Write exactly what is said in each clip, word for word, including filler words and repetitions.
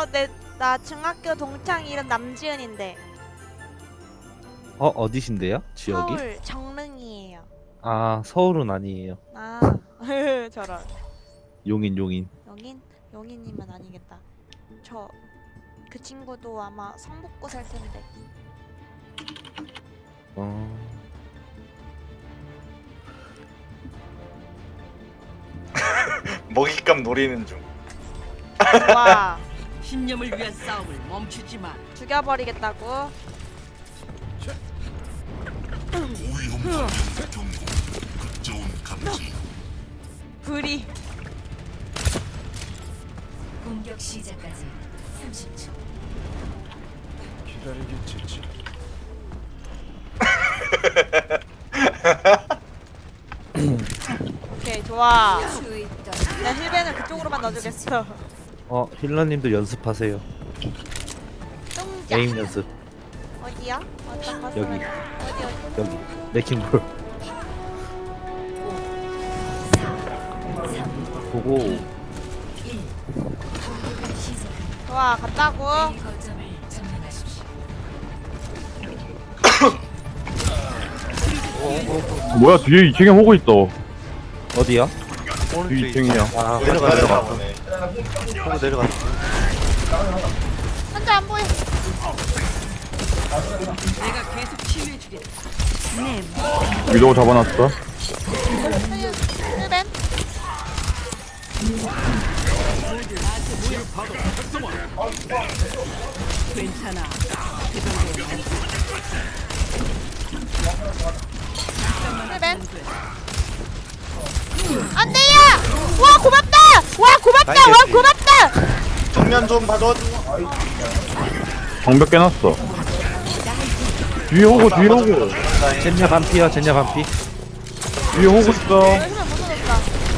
어, 내, 나 중학교 동창 이름 남지은인데. 어 어디신데요? 지역이? 서울 정릉이에요. 아 서울은 아니에요. 아, 저런. 용인 용인. 용인? 용인이면 아니겠다. 저 그 친구도 아마 성북구 살 텐데. 어 먹잇감 노리는 중. 와, 신념을 위한 싸움을 멈추지 마. 죽여버리겠다고. 불이. 공격 시작까지 삼십 초. 기다리겠지. 오케이, 좋아. 수있던 나 힐벤을 그쪽으로만 넣어주겠어. 어 힐러님도 연습하세요. 뚱자. 게임 연습. 어디야? 어떤 거 여기. 어디 어디? 여기 레킹볼 보고 공격을 시작합니다. 좋아, 갔다고. A 거점을 점령하십시오. 뭐야 뒤에 이 층에 호구 있어. 어디야? 뒤 이 층이야. 아 내려가 내려가 내려가 내려가. 보네. 보고 내려갔어. 혼자 안 보여. 내가 계속 치유해 주겠다. 네, 위도우 잡아놨어. 힐벤. 괜찮아. 힐벤. 안돼요. 와, 고맙다. 와, 고맙다. 와, 고맙다. 정면 좀 봐줘. 방벽 깨놨어. 뒤에 호구 뒤에 호구. 젠냐 반피야 젠냐 반피. 뒤에 호구 있어. 힐벤 못 넣었다.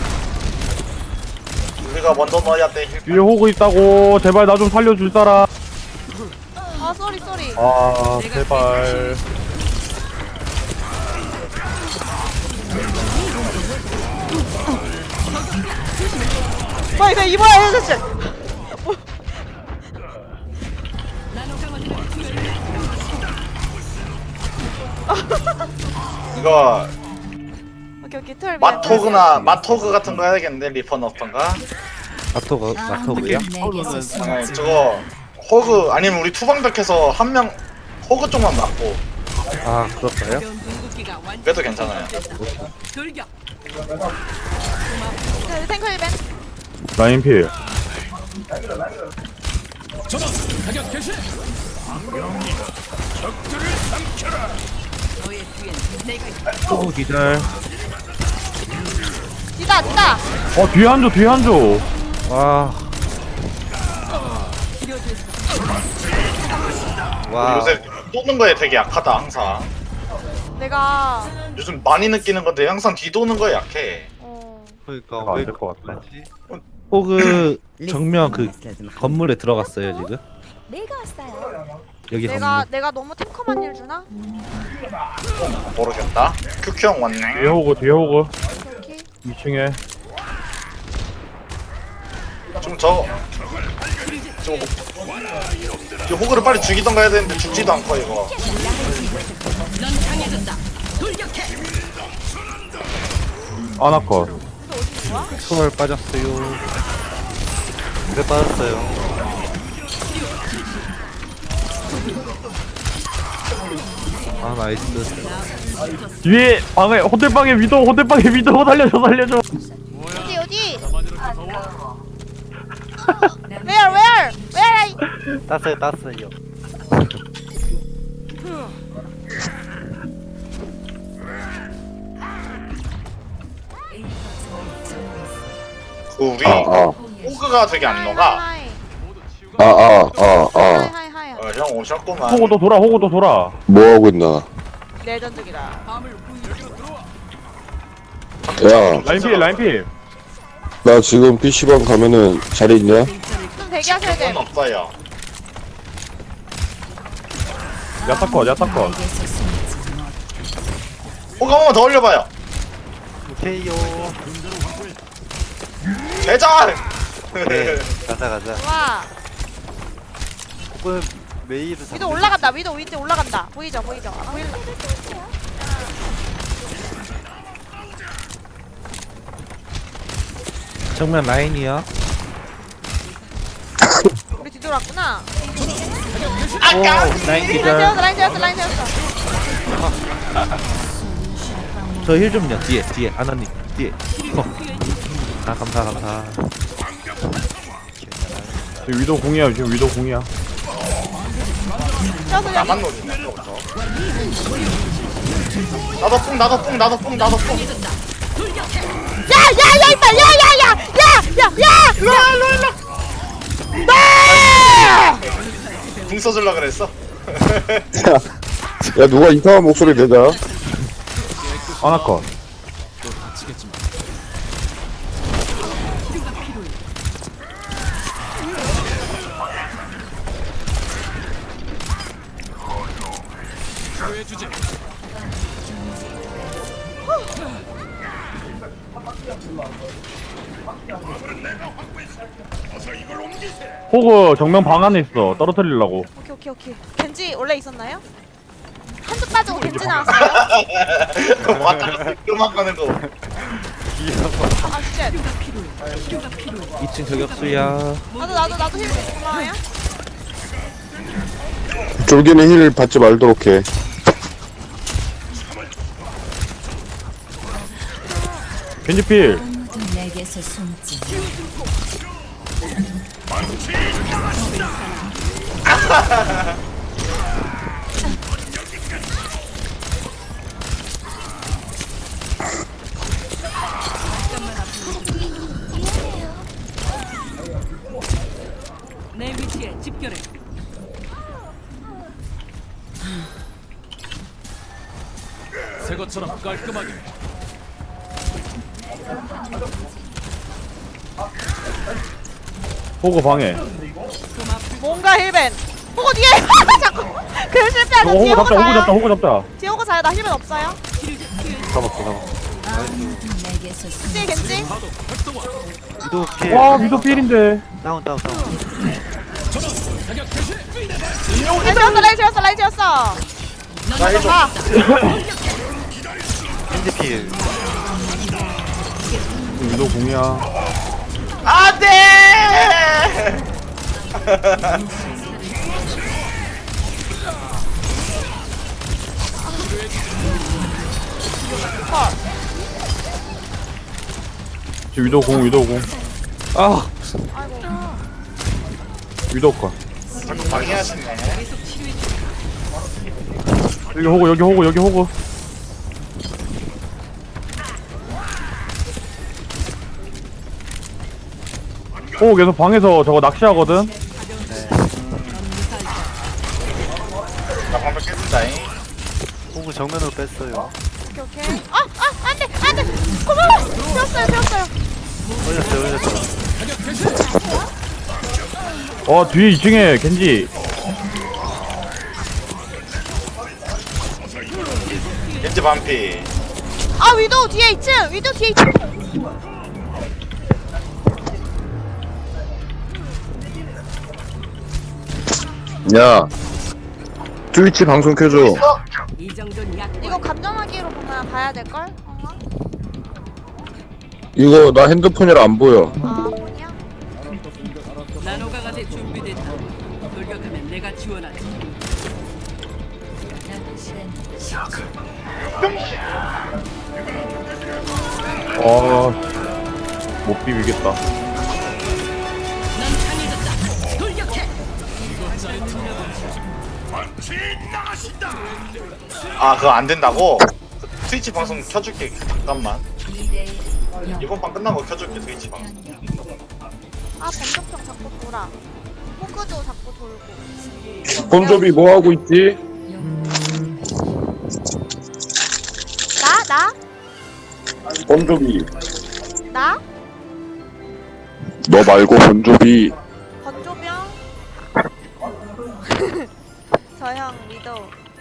우리가 먼저 넣어야 돼. 뒤에 호구 있다고. 제발 나 좀 살려줄 사람. 아, 쏘리 쏘리. 아 제발. 뭐 이거 이거야, 힐벤. 이거 오케이 오케이, 털. 마토그나 마토그 같은 거 해야겠는데 리퍼 넣던가. 마토가 마토구야? 내게서 숨지 아니 저거 호그 아니면 우리 투방벽해서 한 명 호그 쪽만 맞고 아 그럴까요? 이런 궁극기가 완전 그래도 괜찮아요. 돌격. 탱커 힐벤. 라인 필. 너의 뒤엔 내가 있다. 오 기절. 뒤다 뒤다. 어 뒤에 한조 뒤에 한조. 와. 우리 와. 요새 도는 거에 되게 약하다 항상. 내가 요즘 많이 느끼는 건데 항상 뒤도는 거에 약해. 어 그러니까 안 될 것 같다. 호그 정면 그 건물에 들어갔어요 지금. 내가 왔어요. 여기 내가 건물. 내가 너무 탱커만 일 주나? 모르겠다. 큐큐 형 뒤에 왔네. 호구 뒤에 호구. 오케이. 이 층에. 좀 저. 저, 저 호그를 빨리 죽이던가 해야 되는데 죽지도 않고 이거. 넌 강해졌다. 돌격해. 아나컷. 초월 빠졌어요. 그래 빠졌어요. 아 나이스. 뒤에 방에 호텔방에 위도우 호텔방에 위도우 살려줘 살려줘. 어디 어디? Where where where I? 땄어요 땄어요. A 거점을 점령했습니다. 그 우리 아, 아, 호그가 되게 안 녹아. 하이 아, 아, 아, 하이 아. 하이 하이. 어, 형 오셨구만. 호구도 돌아 호구도 돌아. 뭐 하고 있나? 레전드기다. 밤을 후유로 야, 라인 필 라인 필. 나 지금 피시방 가면은 자리 있냐? 좀 대기하셔야 돼. 건 없어요. 야타컷 야타컷. 내게서 숨지 못. 호그 한 번만 더 올려봐요. 오케이요. 대장. 가자 가자. 좋아. 이번 메이를 위도 올라간다. 위도 위도 올라간다. 보이죠? 보이죠? 아, 보일라. 정면 라인이야. 우리 뒤돌았구나. 오 라인 라인 기절. 재웠어. 라인 재웠어. 라인 재웠어. 저 힐 좀요. 뒤에 뒤에 아나님 뒤에. 어. 아 감사 감사. 지금 위도 공이야 지금 위도 공이야. 재웠어. 여기. 나만 노리네 저거부터. 나도 뿡 나도 뿡 나도 뿡 나도 뿡. 야, 야, 야, 임마. 야, 야, 야. 야, 야, 야. 일로 와, 일로 와, 일로 와. 네! 궁 써줄라 그랬어. 야 누가 이상한 목소리 내자. 아나컷. 호그 정면 방 안에 있어. 떨어뜨리려고. 오케이, 오케이, 오케이. 겐지 원래 있었나요? 한쪽 빠지고 겐지 나왔어요? 왔다 갔다 요만한 거. 아, 진짜. 이 층 저격수야. 나도, 나도, 나도 힐 고마워요. 졸기는 힐 받지 말도록 해. 겐지필. 아무도 내게서 숨지 내 위치에 집결해. 새 것처럼 깔끔하게. 호그 방에. 뭔가 힐벤. 호구 뒤에. 자꾸. 그 실패하자. 호그 뒤에 호그 호구 잡자 호그 잡자 자요. 호그 잡자. 뒤에 호구 자요. 나 힐벤 없어요. 잡았어 잡았어. 아무도 내게서 숨지 뒤에 겐지. 위도 필. 와 위도 필인데. 다운 다운 다운. 라인 지웠어. 라인 지웠어. 라인 지웠어. 나 해줘. 아, 겐지 필. 위도 공이야. 안돼. 지금 위도 공 위도 공. 아 아이고. 위도 컷. 자꾸 방해하시네. 여기 호그 여기 호그 여기 호그. 호그 계속 방에서 저거 낚시하거든. 나 방금 깨진다잉. 호그 정면으로 뺐어요. 오케이, 오케이. 아, 아, 안 돼, 안 돼. 고마워. 피웠어요, 피웠어요. 올렸어요 올렸어요. 어 뒤에 이 층에 겐지. 겐지 반피. 아, 위도우 뒤에 이 층. 위도우 뒤에 이 층. 야 트위치 방송 켜줘. 이 정도는 약. 이거 감정하기로 보면 봐야 될걸? 어? 이거 나 핸드폰이라 안 보여. 아, 뭐냐? 나노가가 돼 준비됐다. 돌격하면 내가 지원하지. 남은 시간 아못 비비겠다. 넌 강해졌다. 돌격해. 아 그거 안 된다고? 트위치 방송 켜줄게. 잠깐만. 이 대 영 이번 판 끝나고 켜줄게 트위치 방송. 아, 범접형 자꾸 돌아. 호크도 자꾸 돌고. 본조비 뭐 하고 있지? 나? 나? 본조비. 나? 너 말고 본조비. 건조명? 저 형 위도우.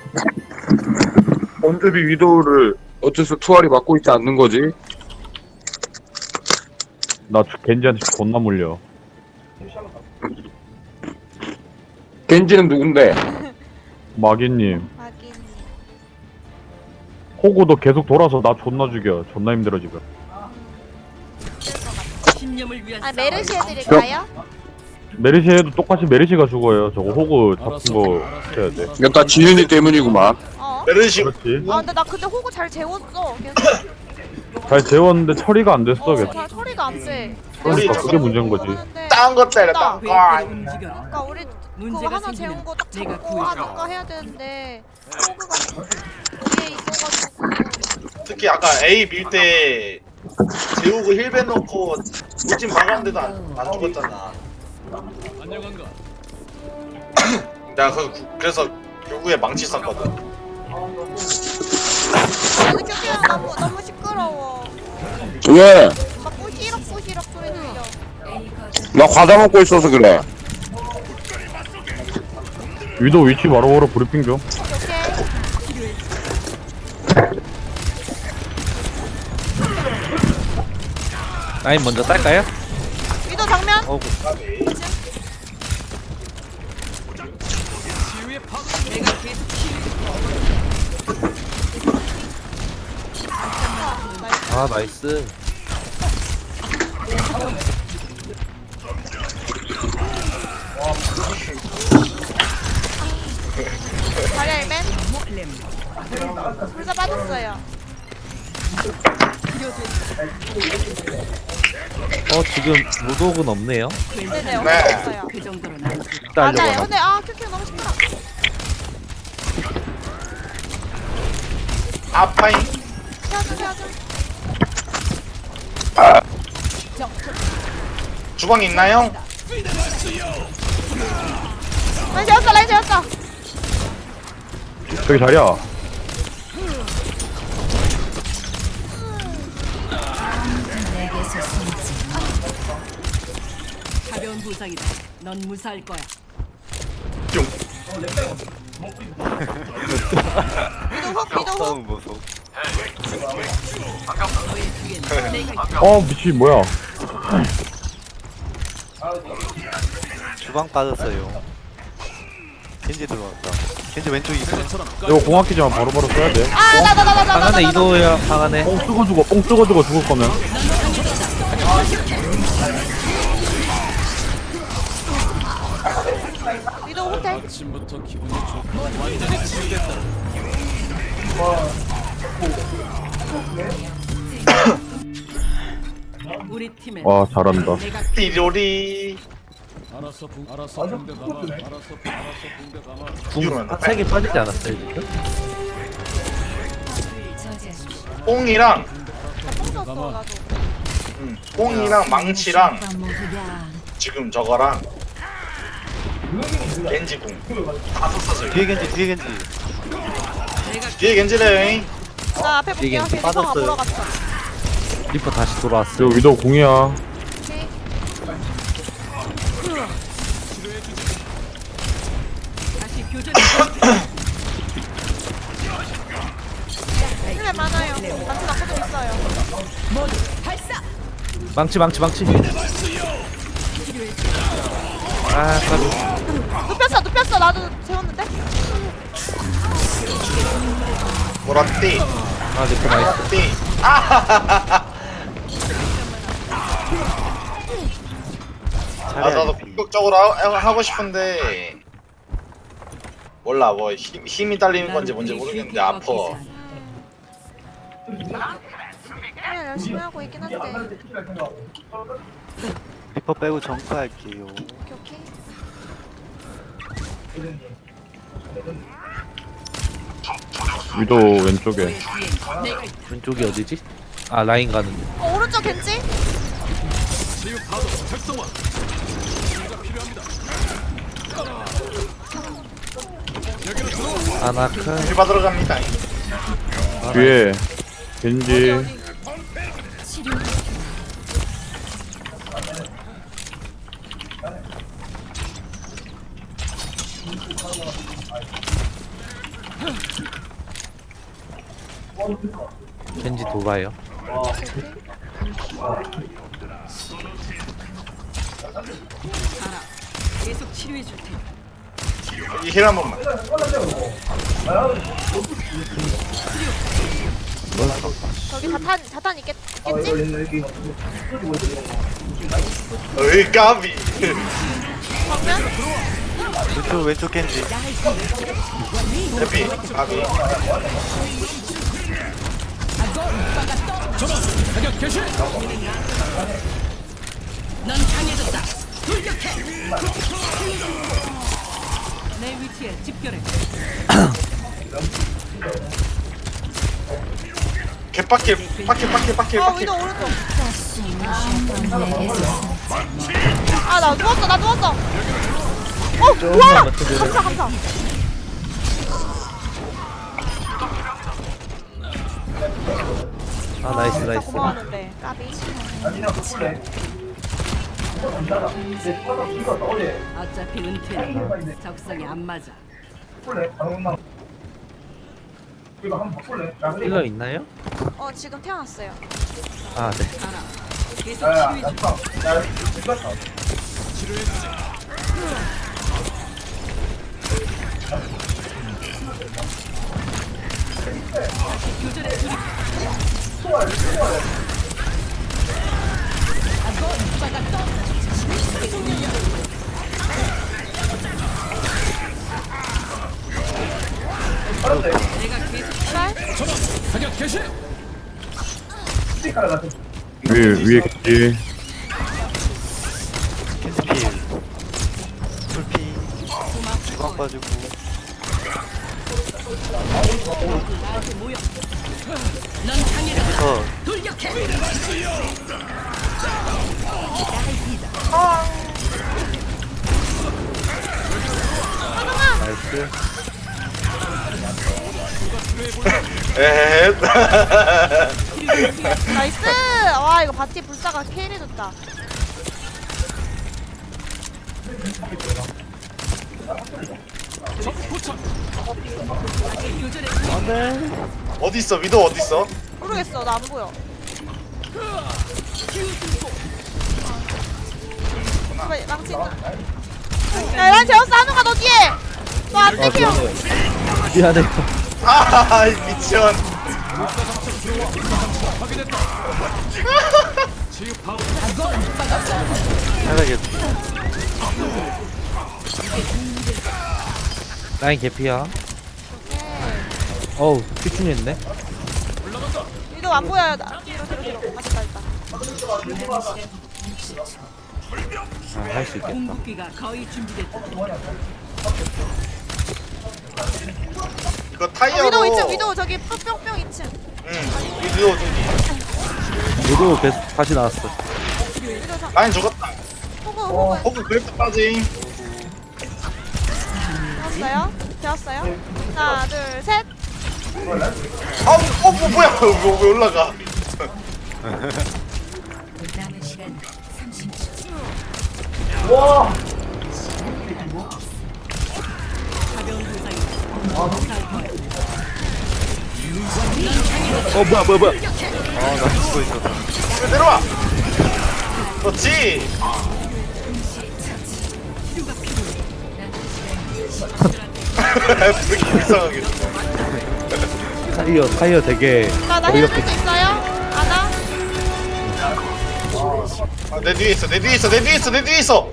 본조비 위도우를 어째서 투알이 맡고 있지 않는 거지? 나 겐지한테 존나 물려. 겐지는 누군데? 마기님. 확인. 호구도 계속 돌아서 나 존나 죽여. 존나 힘들어 지금. 신념을 위한 아 싸움. 메르시 해드릴까요? 메르시 해도 똑같이 메르시가 죽어요. 저거 호구 잡은 거 해야 돼. 이거 다 지윤이 때문이구만. 어? 메르시 그렇지. 아 근데 나 근데 호구 잘 재웠어. 계속. 잘 재웠는데 처리가 안 됐어. 어, 계속. 잘 처리가 안 돼. 그러니까 그게 문제인 거지. 딴거 때렸다. 회의대로 아, 움직여라. 그러니까 우리 그거 문제가 하나 생기면 재운 거 딱 내가 잡고 구해줄게. 하니까 해야 되는데 호구가 뒤에 있어가지고. 특히 아까 A 밀 때 재우고 힐벤 넣고 울진 막았는데도 안, 안 죽었잖아. 안녕한가? 내가 그, 그래서 결국에 망치 썼거든. 근데 큐큐야 너무 너무 시끄러워. 왜? 막 뿌시럭 뿌시럭 소리 들려. 나 과자 먹고 있어서 그래. 위도 위치 바로바로 브리핑 좀. 오케이. 라인 먼저 딸까요? 위도 정면. 어구. 치유의 파. 내가 계속 아 나이스. 다리 알맨. 불사 빠졌어요. 어 지금 무독은 없네요. 네네 네. 없어요. 그 정도로 난 따려고 맞아요. 하나. 근데 아 큐큐 너무 시끄러. 아파잉. 태워줘 태워줘. 주방 있나요? 라인 재웠어 라인 재웠어. 저기 자리야. 내게서 숨지 가벼운 부상이다. 넌 무사할 거야. 뿅. 위도 훅 위도 훅. 너의 뒤엔 내가 있다. 어 미친 뭐야? 주방 빠졌어요. 겐지 들어왔다. 겐지 왼쪽에 있어. 새것처럼 이거 공학기지만 바로바로 써야 돼. 아나 나 나 나 나 방 안에 이도야 방 안에. 뽕 쓰고 죽어. 뽕 쓰고 죽어 죽을 거면. 위도 호텔. 아침부터 기분이 좋고 완전히 치유됐다. 우리 팀엔 와 잘한다. 내가 띠로리. 알아서 붕 알아서 붕대 감아. 알아서 알아서 붕대 감아. 궁 색이 빠지지 않았어요 지금? 저지하십시오. 뽕이랑 나뽕 썼어 나도. 음, 뽕이랑 망치랑 먹으랴. 지금 저거랑 겐지궁 다 썼어. 뒤에 겐지 뒤에 겐지. 뒤에 겐지래. 나 앞에 볼게요. 이게 리퍼가 빠졌어요. 보러 갔어. 리퍼 다시 돌아왔어. 저 위도 공이야. 오케이. 다시 교전. 힐맨 많아요. 단추 낙고도 있어요. 망치 망치 망치. 아 까비. 눕혔어 눕혔어 나도 재웠는데. 보라띠. 아 리퍼 나이스. 띠. 아 아, 나도 공격적으로 하, 하고 싶은데 몰라 뭐 힘, 힘이 딸리는 건지 뭔지 모르겠는데 아파. 그냥 열심히 하고 있긴 한데. 오케이 리퍼 빼고 정크할게요. 오케이. 위도 왼쪽에. 너의 뒤엔 내가 있다. 왼쪽이 어디지? 아 라인 가는데. 어, 오른쪽 겐지? 치유 파도 활성화. 치유가 필요합니다. 여기로 들어와. 아나크. 힐 받으러 갑니다. 뒤에 어디 겐지. 어디? 겐지 돌아요. 가라. 계속 치료해 줄 테니. 이 힐 한 번만. 저기 자탄 자탄 있겠 있겠지? 어이 까비. 정면? 왼쪽 왼쪽 겐지. 해피 까비. 사격 개시. 넌 강해졌다. 돌격해. 내 위치에 집결해. 개빡킬 빡킬 빡킬 빡킬 아 빡킬. 위도 오른쪽. 내게서 아 나 누웠어 나 누웠어. 어 조금만 우와 맞춰줘요. 감사 감사. 아 나이스 진짜 나이스. 고마웠는데 까비. 어차피 은퇴는 적성에 안 맞아. 힐러 있나요? 어 지금 태어났어요. 아 네. 알아. 계속 치료해줘. 교전에 돌입. 내가 계속 사격 개시. 위에 위에 겐지. 겐지 필. 풀피. 주방 빠지고. 나한테 모여. 넌 강해졌다. 저 돌격해. 나이스. 에헤. 나이스. 와 이거 바티 불사가 케일해줬다. 교전에 어디 있어 위도 어디 있어? 모르겠어 나 안 보여. 왜 망치 있나? 야난 제어스 하는가 너 뒤에. 너안 아 땡겨. 미안해요. 미안해요. 아 미친. 하나게 라인 개피야. 어우 피충했네. 위도 안 보여요. 나 뒤로 뒤로 뒤로. 맞다 맞다. 아 할 수 있겠다. 궁극기가 거의 준비됐다. 이거 어, 타이어로. 위도 이 층 위도 저기 뿅뿅 이 층. 응. 위도 저기. 모두 계속 다시 나왔어. 위도 저 라인 죽었다. 호구 호구 호그 그래프 빠짐. 되었어요? 되었어요? 하나 둘 셋. 아우 어 뭐, 뭐야 왜, 왜 올라가? 남은 시간 삼십 초. 가벼운 부상이. 어 뭐야 뭐야 뭐야. 아나 죽고 있었다. 왜 내려와? 그렇지. 그렇게 이상하게. 타이어 타이어 되게 나나 어이없게. 힐줄 수 있어요? 아나? 아, 내 뒤에 있어 내 뒤에 있어 내 뒤에 있어 내 뒤에 있어.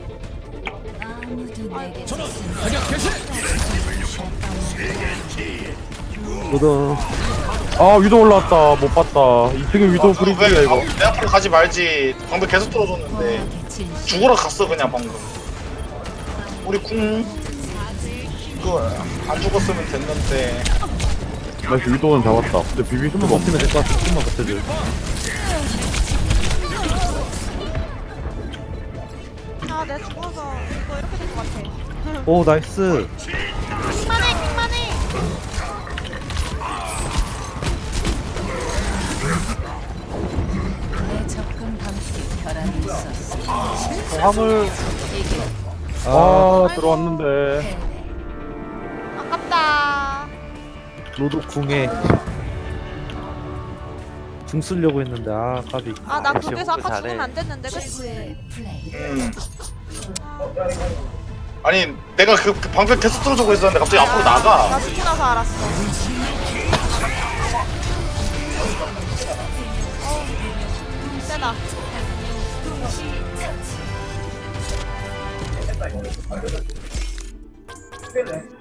아무도 내게서 사격 개시. 모두 아 위도 올라왔다. 못 봤다. 이 층에 위도 왜 브리즈야 이거. 내 앞으로 가지 말지. 방금 계속 들어줬는데 죽으러 갔어 그냥 방금. 우리 궁 그거 안 죽었으면 됐는데. 나이스 위도는 잡았다. 근데 비비 좀만 수가 없. 버티면 될 것 같아. 좀만 버텨줘. 아 내가 죽어서 이거 이렇게 될 것 같아. 오 나이스. 킹만해 킹만해. 내 접근 방식에 결함이 있었어. 화물 이게 아 아 들어왔는데. 아깝다. 로드 궁에 궁 쓰려고 했는데 아 까비. 아나 역시 그래서 호구 아까 잘해. 죽으면 안 됐는데 그치? 최고의 플레이. 음. 아니 내가 그, 그 방벽 계속 뚫어주고 있었는데 갑자기 앞으로 나 나가. 스키 나서 알았어. 어, 세다.